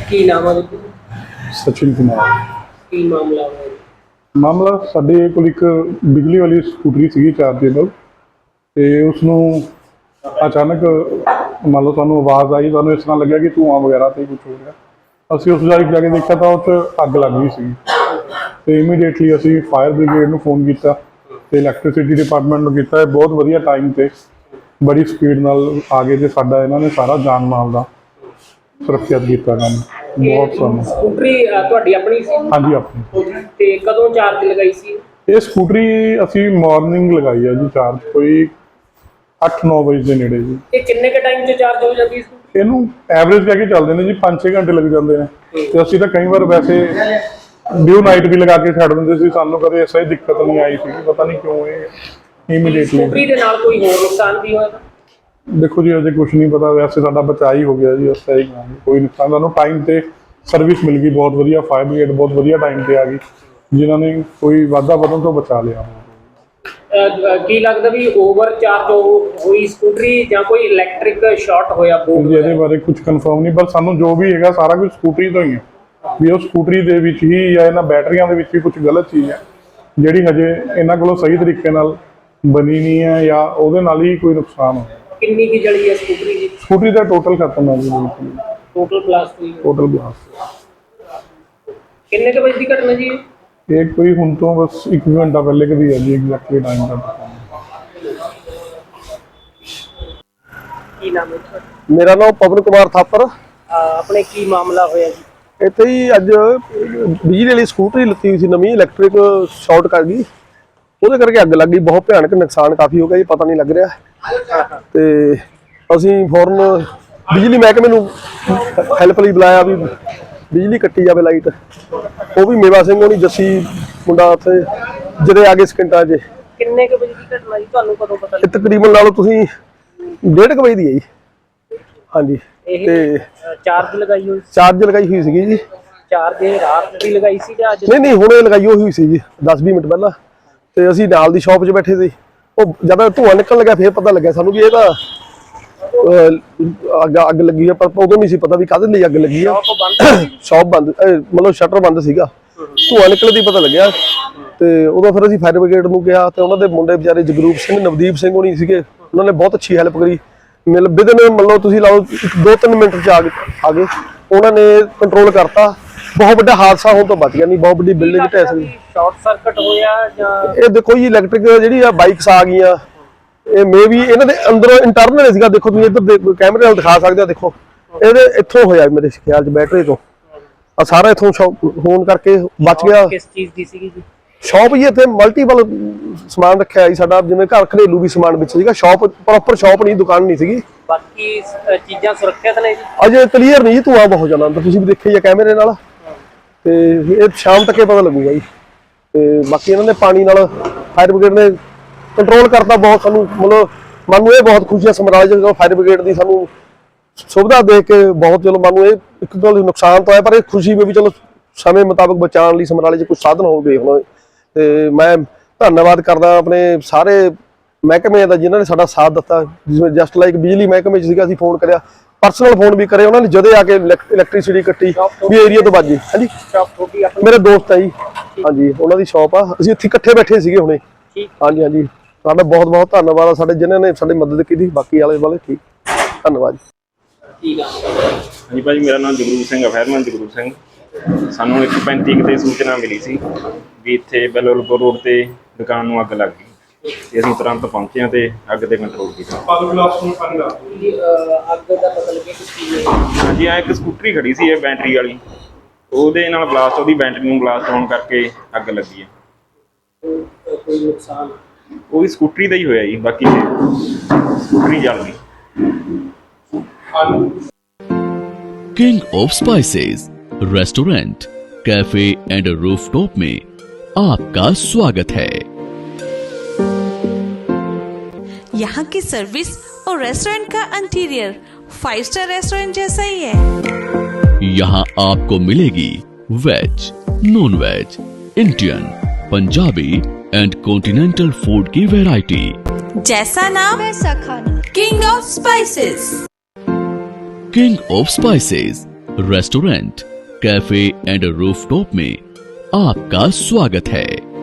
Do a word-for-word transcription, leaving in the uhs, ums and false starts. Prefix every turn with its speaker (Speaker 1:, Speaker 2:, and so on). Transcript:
Speaker 1: ਕੀ ਨਾਮ ਹੈ ਜੀ?
Speaker 2: सचिन कुमार।
Speaker 1: ਕੀ ਮਾਮਲਾ ਹੋਇਆ?
Speaker 2: मामला ਸਾਡੇ ਕੋਲ ਇੱਕ ਬਿਜਲੀ ਵਾਲੀ ਸਕੂਟਰੀ ਸੀਗੀ ਚਾਰਜੇਬਲ ਤੇ ਉਸ ਨੂੰ ਅਚਾਨਕ ਮੰਨ ਲਓ ਸਾਨੂੰ ਆਵਾਜ਼ ਆਈ, ਸਾਨੂੰ ਇਸ ਤਰ੍ਹਾਂ ਲੱਗਿਆ ਕਿ ਧੂੰਆਂ ਵਗੈਰਾ ਤੇ ਕੁਝ ਹੋ ਰਿਹਾ। ਅਸੀਂ ਉਸ ਜਗ੍ਹਾ ਜਾ ਕੇ ਦੇਖਿਆ ਤਾਂ ਉਹ 'ਚ ਅੱਗ ਲੱਗ ਗਈ ਸੀ ਤੇ ਇਮੀਡੀਏਟਲੀ ਅਸੀਂ ਫਾਇਰ ਬ੍ਰਿਗੇਡ ਨੂੰ ਫੋਨ ਕੀਤਾ ਤੇ ਇਲੈਕਟ੍ਰਿਸਿਟੀ ਡਿਪਾਰਟਮੈਂਟ ਨੂੰ ਕੀਤਾ। ਇਹ ਬਹੁਤ ਵਧੀਆ ਟਾਈਮ ਤੇ ਬੜੀ ਸਪੀਡ ਨਾਲ ਆ ਗਏ ਤੇ ਸਾਡਾ ਇਹਨਾਂ ਨੇ ਸਾਰਾ ਜਾਨ ਮਾਲ ਦਾ ਸੁਰੱਖਿਅਤ ਕੀਤਾ ਕੰਮ। ਬਹੁਤ ਸਾਨੂੰ
Speaker 1: ਸਕੂਟਰੀ ਅ, ਤੁਹਾਡੀ ਆਪਣੀ ਸੀ?
Speaker 2: ਹਾਂਜੀ ਆਪਣੀ।
Speaker 1: ਤੇ ਕਦੋਂ ਚਾਰਜ ਲਗਾਈ ਸੀ?
Speaker 2: ਇਹ ਸਕੂਟਰੀ ਅਸੀਂ ਮਾਰਨਿੰਗ ਲਗਾਈ ਹੈ ਜੀ ਚਾਰਜ, ਕੋਈ ਅੱਠ ਨੌ ਵਜੇ ਦੇ ਨੇੜੇ ਜੀ।
Speaker 1: ਇਹ ਕਿੰਨੇ ਕ ਟਾਈਮ 'ਚ ਚਾਰਜ ਹੋ ਜਾਂਦੀ ਸਕੂਟਰੀ?
Speaker 2: ਇਹਨੂੰ ਐਵਰੇਜ ਕਹਿ ਕੇ ਚੱਲਦੇ ਨੇ ਜੀ, ਪੰਜ ਛੇ ਘੰਟੇ ਲੱਗ ਜਾਂਦੇ ਨੇ ਤੇ ਅਸੀਂ ਤਾਂ ਕਈ ਵਾਰ ਵੈਸੇ ਡਿਊ ਨਾਈਟ ਵੀ ਲਗਾ ਕੇ ਛੱਡ ਦਿੰਦੇ ਸੀ। ਸਾਨੂੰ ਕਦੇ ਐਸਾ ਹੀ ਦਿੱਕਤ ਨਹੀਂ ਆਈ ਸੀ, ਪਤਾ ਨਹੀਂ ਕਿਉਂ ਇਹ ਇਮੀਡੀਏਟਲੀ।
Speaker 1: ਸਕੂਟਰੀ ਦੇ ਨਾਲ ਕੋਈ ਹੋਰ ਨੁਕਸਾਨ ਵੀ ਹੋਇਆ?
Speaker 2: ਦੇਖੋ ਜੀ ਅਜੇ ਕੁਝ ਨਹੀਂ ਪਤਾ, ਵੈਸੇ ਸਾਡਾ ਬਚਾਅ ਹੀ ਹੋ ਗਿਆ ਜੀ, ਉਸ ਤਰ੍ਹਾਂ ਹੀ ਕੋਈ ਨੁਕਸਾਨ। ਸਾਨੂੰ ਟਾਈਮ ਤੇ ਸਰਵਿਸ ਮਿਲ ਗਈ ਬਹੁਤ ਵਧੀਆ, ਫਾਇਰ ਬ੍ਰਿਗੇਡ ਬਹੁਤ ਵਧੀਆ ਟਾਈਮ ਤੇ ਆ ਗਈ ਜਿਨ੍ਹਾਂ ਨੇ ਕੋਈ ਵਾਧਾ ਵਧਣ ਤੋਂ ਬਚਾ ਲਿਆ।
Speaker 1: ਅ, ਕੀ ਲੱਗਦਾ ਵੀ ਓਵਰ ਚਾਰਜ ਹੋਈ ਸਕੂਟਰੀ ਜਾਂ ਕੋਈ ਇਲੈਕਟ੍ਰਿਕ ਸ਼ਾਰਟ ਹੋਇਆ? ਬੋਰਡ
Speaker 2: ਜੀ ਇਹਦੇ ਬਾਰੇ ਕੁਝ ਕਨਫਰਮ ਨਹੀਂ, ਪਰ ਸਾਨੂੰ ਜੋ ਵੀ ਹੈਗਾ ਸਾਰਾ ਕੁਝ ਸਕੂਟਰੀ ਤੋਂ ਹੀ ਹੈ ਵੀ ਉਹ ਸਕੂਟਰੀ ਦੇ ਵਿੱਚ ਹੀ ਜਾਂ ਇਹਨਾਂ ਬੈਟਰੀਆਂ ਦੇ ਵਿੱਚ ਹੀ ਕੁਝ ਗਲਤ ਚੀਜ਼ ਹੈ ਜਿਹੜੀ ਹਜੇ ਇਹਨਾਂ ਕੋਲੋਂ ਸਹੀ ਤਰੀਕੇ ਨਾਲ ਬਣੀ ਨਹੀਂ ਹੈ ਜਾਂ ਉਹਦੇ ਨਾਲ ਹੀ ਕੋਈ ਨੁਕਸਾਨ ਹੋਇਆ।
Speaker 1: ਕਿੰਨੀ ਕੀ ਜਲੀ ਹੈ ਸਕੂਟਰੀ ਦੀ?
Speaker 2: ਸਕੂਟਰੀ ਦਾ ਟੋਟਲ ਖਤਮ ਹੈ ਜੀ,
Speaker 1: ਟੋਟਲ ਬਲਾਸਟ ਹੋਈ?
Speaker 2: Total blast.
Speaker 1: ਕਿੰਨੇ ਕੁ ਵਜੇ ਦੀ ਘਟਨਾ ਜੀ?
Speaker 2: ਇਹ ਕੋਈ ਹੁਣ ਤੋਂ ਬਸ ਇੱਕ ਘੰਟਾ ਪਹਿਲੇ ਕਦੀ ਹੈ ਜੀ, ਐਗਜ਼ੈਕਟਲੀ ਟਾਈਮ ਦਾ ਪਤਾ ਨਹੀਂ।
Speaker 1: ਕੀ ਨਾਮ ਹੈ ਤੁਹਾਡਾ?
Speaker 3: ਮੇਰਾ ਨਾਮ ਪਵਨ ਕੁਮਾਰ ਥਾਪਰ।
Speaker 1: ਅ, ਆਪਣੇ ਕੀ ਮਾਮਲਾ ਹੋਇਆ ਜੀ?
Speaker 3: ਇੱਥੇ ਹੀ ਅੱਜ ਬਿਜਲੀ ਵਾਲੀ ਸਕੂਟਰੀ ਲੱਤੀ ਹੋਈ ਸੀ ਨਵੀਂ, ਇਲੈਕਟ੍ਰਿਕ ਸ਼ਾਰਟ ਕਰ ਗਈ, ਉਹਦੇ ਕਰਕੇ ਅੱਗ ਲੱਗ ਗਈ। ਬਹੁਤ ਭਿਆਨਕ ਨੁਕਸਾਨ ਕਾਫੀ ਹੋ ਗਿਆ ਜੀ, ਪਤਾ ਨਹੀਂ ਲੱਗ ਰਿਹਾ। ਤੇ ਅਸੀਂ ਫੌਰਨ ਬਿਜਲੀ ਮਹਿਕਮੇ ਨੂੰ ਹੈਲਪ ਲਈ ਬੁਲਾਇਆ ਵੀ ਬਿਜਲੀ ਕੱਟੀ ਜਾਵੇ, ਲਾਈਟ। ਉਹ ਵੀ ਮੇਵਾ ਸਿੰਘ ਹੋਣੀ, ਜੱਸੀ ਮੁੰਡਾ ਉੱਥੇ ਜਿਹੜੇ ਆ ਗਏ ਸਕਿੰਟਾਂ 'ਚ।
Speaker 1: ਕਿੰਨੇ ਕੁ ਵਜੇ ਦੀ ਘਟਨਾ ਜੀ, ਤੁਹਾਨੂੰ ਕਦੋਂ ਪਤਾ
Speaker 3: ਇਹ
Speaker 1: ਲੱਗਾ?
Speaker 3: ਤਕਰੀਬਨ ਲਾ ਲਓ ਤੁਸੀਂ ਡੇਢ ਕੁ ਵਜੇ ਦੀ ਹੈ ਜੀ। ਹਾਂਜੀ।
Speaker 1: ਇਹ
Speaker 3: ਤੇ
Speaker 1: ਚਾਰਜ ਲਗਾਈ ਹੋਈ?
Speaker 3: ਚਾਰਜ ਲਗਾਈ ਹੋਈ ਸੀਗੀ ਜੀ।
Speaker 1: ਚਾਰਜ ਇਹ ਰਾਤ ਦੀ ਲਗਾਈ ਸੀ ਜਾਂ ਅੱਜ?
Speaker 3: ਨਹੀਂ ਨਹੀਂ ਹੁਣੇ ਲਗਾਈ ਹੋਈ ਸੀ ਜੀ, ਦਸ ਵੀਹ ਮਿੰਟ ਪਹਿਲਾਂ। ਤੇ ਅਸੀਂ ਨਾਲ ਦੀ ਸ਼ਾਪ 'ਚ ਬੈਠੇ ਸੀ, ਉਹ ਜਦ ਧੂੰਆਂ ਨਿਕਲਣ ਲੱਗਿਆ ਫਿਰ ਪਤਾ ਲੱਗਿਆ ਸਾਨੂੰ ਵੀ ਇਹ ਤਾਂ ਅੱਗ ਅੱਗ ਲੱਗੀ ਆ, ਪਰ ਉਦੋਂ ਨਹੀਂ ਸੀ ਪਤਾ ਵੀ ਕਾਹਦੇ ਲਈ ਅੱਗ ਲੱਗੀ ਆ। ਸ਼ਾਪ ਬੰਦ, ਮਤਲਬ ਸ਼ਟਰ ਬੰਦ ਸੀਗਾ, ਧੂੰਆਂ ਨਿਕਲਣ ਦੀ ਪਤਾ ਲੱਗਿਆ। ਤੇ ਉਦੋਂ ਫਿਰ ਅਸੀਂ ਫਾਇਰ ਬ੍ਰਿਗੇਡ ਨੂੰ ਕਿਹਾ ਤੇ ਉਹਨਾਂ ਦੇ ਮੁੰਡੇ ਵਿਚਾਰੇ ਜਗਰੂਪ ਸਿੰਘ, ਨਵਦੀਪ ਸਿੰਘ ਹੋਣੀ ਸੀਗੇ, ਉਹਨਾਂ ਨੇ ਬਹੁਤ ਅੱਛੀ ਹੈਲਪ ਕਰੀ। ਮਿਲ ਵਿਦਨ ਮੰਨ ਤੁਸੀਂ ਲਾਓ ਦੋ ਤਿੰਨ ਮਿੰਟ 'ਚ ਆ ਗਏ ਆ ਗਏ ਉਹਨਾਂ ਨੇ ਕੰਟਰੋਲ ਕਰਤਾ। ਬਹੁਤ ਵੱਡਾ ਹਾਦਸਾ ਹੋਣ ਤੋਂ ਬਚ ਗਿਆ, ਨਹੀਂ ਬਹੁਤ ਵੱਡੀ ਬਿਲਡਿੰਗ ਢਹਿ ਸਕਦੀ।
Speaker 1: ਸ਼ਾਰਟ ਸਰਕਟ ਹੋਇਆ ਜਾਂ?
Speaker 3: ਇਹ ਦੇਖੋ ਜੀ ਇਲੈਕਟ੍ਰਿਕ ਜਿਹੜੀ ਆ ਬਾਈਕਸ ਆ ਗਈਆਂ, ਇਹ ਮੇ ਵੀ ਇਹਨਾਂ ਦੇ ਅੰਦਰੋਂ ਇੰਟਰਨਲ ਸੀਗਾ। ਦੇਖੋ ਤੁਸੀਂ ਇੱਧਰ ਕੈਮਰੇ ਨਾਲ ਦਿਖਾ ਸਕਦੇ ਹੋ, ਦੇਖੋ ਇਹਦੇ ਇੱਥੋਂ ਹੋਇਆ ਮੇਰੇ ਖਿਆਲ 'ਚ, ਬੈਟਰੀ ਤੋਂ ਆ ਸਾਰਾ ਇੱਥੋਂ ਹੋਣ ਕਰਕੇ ਬਚ ਗਿਆ।
Speaker 1: ਕਿਸ ਚੀਜ਼ ਦੀ ਸੀਗੀ ਜੀ?
Speaker 3: ਸ਼ਾਪ ਜੀ ਇੱਥੇ ਮਲਟੀਪਲ ਸਮਾਨ ਰੱਖਿਆ ਜੀ ਸਾਡਾ, ਜਿਵੇਂ ਘਰ ਘਰੇਲੂ ਵੀ ਸਮਾਨ ਵਿੱਚ ਸੀਗਾ। ਸ਼ਾਪ ਪ੍ਰੋਪਰ ਸ਼ਾਪ ਨਹੀਂ, ਦੁਕਾਨ ਨਹੀਂ ਸੀਗੀ।
Speaker 1: ਬਾਕੀ ਅ, ਚੀਜ਼ਾਂ ਸੁਰੱਖਿਅਤ ਨੇ ਜੀ?
Speaker 3: ਅਜੇ ਕਲੀਅਰ ਨਹੀਂ ਜੀ, ਧੂੰਆਂ ਬਹੁਤ ਜਾਂਦਾ ਅੰਦਰ, ਤੁਸੀਂ ਵੀ ਦੇਖਿਆ ਹੀ ਆ ਕੈਮਰੇ ਨਾਲ। ਤੇ ਇਹ ਸ਼ਾਮ ਤੱਕ ਹੀ ਪਤਾ ਲੱਗੂਗਾ ਜੀ। ਤੇ ਬਾਕੀ ਇਹਨਾਂ ਨੇ ਪਾਣੀ ਨਾਲ ਫਾਇਰ ਬ੍ਰਿਗੇਡ ਨੇ ਕੰਟਰੋਲ ਕਰਤਾ ਬਹੁਤ। ਸਾਨੂੰ ਮਤਲਬ ਮਨ ਨੂੰ ਇਹ ਬਹੁਤ ਖੁਸ਼ੀ ਹੈ ਸਮਰਾਲੇ ਜਦੋਂ ਫਾਇਰ ਬ੍ਰਿਗੇਡ ਦੀ ਸਾਨੂੰ ਸੁਵਿਧਾ ਦੇਖ ਕੇ ਬਹੁਤ। ਚਲੋ ਮਨ ਨੂੰ ਇਹ ਇੱਕ ਗੱਲ ਨੁਕਸਾਨ ਤਾਂ ਹੈ, ਪਰ ਇਹ ਖੁਸ਼ੀ ਵੀ ਚਲੋ ਸਮੇਂ ਮੁਤਾਬਕ ਬਚਾਉਣ ਲਈ ਸਮਰਾਲੇ 'ਚ ਕੁਝ ਸਾਧਨ ਹੋਵੇ ਹੁਣ। ਤੇ ਮੈਂ ਧੰਨਵਾਦ ਕਰਦਾ ਆਪਣੇ ਸਾਰੇ ਮਹਿਕਮੇ ਦਾ ਜਿਨ੍ਹਾਂ ਨੇ ਸਾਡਾ ਸਾਥ ਦਿੱਤਾ। ਜਿਵੇਂ ਜਸਟ ਲਾਈਕ ਬਿਜਲੀ ਮਹਿਕਮੇ 'ਚ ਸੀਗਾ, ਅਸੀਂ ਫੋਨ ਕਰਿਆ, ਪਰਸਨਲ ਫੋਨ ਵੀ ਕਰੇ ਉਹਨਾਂ ਨੇ, ਜਦੇ ਆ ਕੇ ਇਲੈਕਟ੍ਰਿਸਿਟੀ ਕੱਟੀ ਵੀ ਏਰੀਆ ਤੋਂ ਵੱਜ ਗਈ। ਹਾਂਜੀ
Speaker 1: ਸ਼ਾਪ ਤੁਹਾਡੀ ਆਪਣੀ?
Speaker 3: ਮੇਰੇ ਦੋਸਤ ਆ ਜੀ, ਹਾਂਜੀ ਉਹਨਾਂ ਦੀ ਸ਼ਾਪ ਆ, ਅਸੀਂ ਇੱਥੇ ਇਕੱਠੇ ਬੈਠੇ ਸੀਗੇ ਹੁਣੇ। ਹਾਂਜੀ ਹਾਂਜੀ ਸਾਡਾ ਬਹੁਤ ਬਹੁਤ ਧੰਨਵਾਦ ਆ ਸਾਡੇ ਜਿਨ੍ਹਾਂ ਨੇ ਸਾਡੀ ਮਦਦ ਕੀਤੀ। ਬਾਕੀ ਵਾਲੇ ਵਾਲੇ ਠੀਕ, ਧੰਨਵਾਦ।
Speaker 1: ਠੀਕ ਆ
Speaker 4: ਹਾਂਜੀ ਭਾਜੀ, ਮੇਰਾ ਨਾਮ ਜਗਰੂਪ ਸਿੰਘ ਹੈ, ਫਾਇਰਮੈਨ ਜਗਰੂਪ ਸਿੰਘ। ਸਾਨੂੰ ਇੱਕ ਪੈਂਤੀ ਕੁ 'ਤੇ ਸੂਚਨਾ ਮਿਲੀ ਸੀ ਵੀ ਇੱਥੇ ਬੈਲੋਲਪੁਰ ਰੋਡ ਤੇ ਦੁਕਾਨ ਨੂੰ ਅੱਗ ਲੱਗ ਗਈ ਤੇ ਅਸੀਂ ਤੁਰੰਤ ਪਹੁੰਚੇ ਹਾਂ ਤੇ ਅੱਗ ਤੇ ਕੰਟਰੋਲ ਕੀਤਾ।
Speaker 1: ਜੀ ਅ, ਅੱਗ ਦਾ ਪਤਾ ਲੱਗਿਆ ਕਿਸ ਚੀਜ਼ ਹੈ?
Speaker 4: ਹਾਂਜੀ, ਆ ਇੱਕ ਸਕੂਟਰੀ ਖੜੀ ਸੀ ਇਹ ਬੈਟਰੀ ਵਾਲੀ, ਉਹਦੇ ਨਾਲ ਬਲਾਸਟ, ਉਹਦੀ ਬੈਟਰੀ ਨੂੰ ਬਲਾਸਟ ਹੋਣ ਕਰਕੇ ਅੱਗ ਲੱਗੀ ਹੈ।
Speaker 1: ਕੋਈ- ਕੋਈ ਨੁਕਸਾਨ?
Speaker 4: ਉਹਦੀ ਸਕੂਟਰੀ ਦਾ ਹੀ ਹੋਇਆ ਜੀ, ਬਾਕੀ ਸਕੂਟਰੀ ਜਲ ਗਈ।
Speaker 5: King of spices restaurant, cafe and rooftop में आपका स्वागत है।
Speaker 6: यहाँ की सर्विस और रेस्टोरेंट का इंटीरियर फाइव स्टार रेस्टोरेंट जैसा ही है।
Speaker 5: यहाँ आपको मिलेगी veg, non veg, Indian, Punjabi and continental food की वैरायटी।
Speaker 6: जैसा नाम वैसा खाना। King of spices.
Speaker 5: King of spices restaurant, cafe and rooftop में आपका स्वागत है।